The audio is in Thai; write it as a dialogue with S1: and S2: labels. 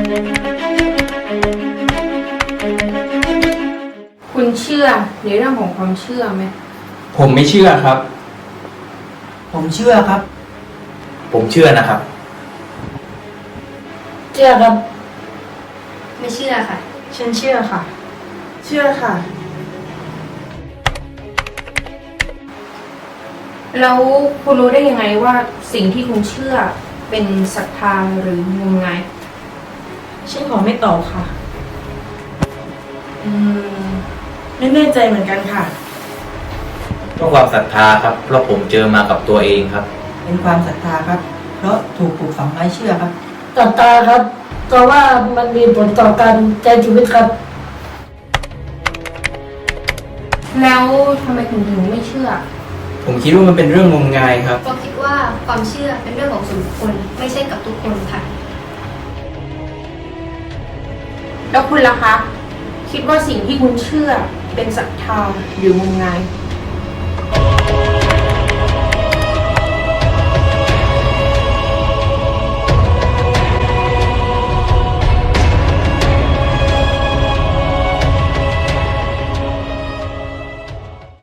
S1: คุณเชื่อในเรื่องของความเชื่อไหม
S2: ผมไม่เชื่อครับ
S3: ผมเชื่อครับ
S2: ผมเชื่อนะครับ
S4: เชื่อครับ
S1: ไม่เชื่อค่ะ
S4: ฉันเชื่อค่ะ
S3: เชื่อค่ะ
S1: แล้วคุณรู้ได้ยังไงว่าสิ่งที่คุณเชื่อเป็นศรัทธาหรืองมงาย
S4: ฉันขอไม่ตอบค่ะ
S3: อืมไม่แน่ใจเหมือนกันค่ะ
S2: ต้องความศรัทธาครับ เพราะผมเจอมากับตัวเองครับ
S3: เป็นความศรัทธาครับ เพราะถูกปลูกฝังไว้เชื่อครับ
S4: ศรัทธาครับเพราะว่ามันมีผลต่อการใช้ชีวิตครับ
S1: แล้วทำไมคุณถึงไม่เชื่อ
S2: ผมคิดว่ามันเป็นเรื่องงมงายครับ
S5: ก็คิดว่าความเชื่อเป็นเรื่องของส่วนบุคคลไม่ใช่กับทุกคนค่ะ
S1: แล้วคุณล่ะคะ คิดว่าสิ่งที่คุณเชื่อเป็นศรัทธาหรืองมงาย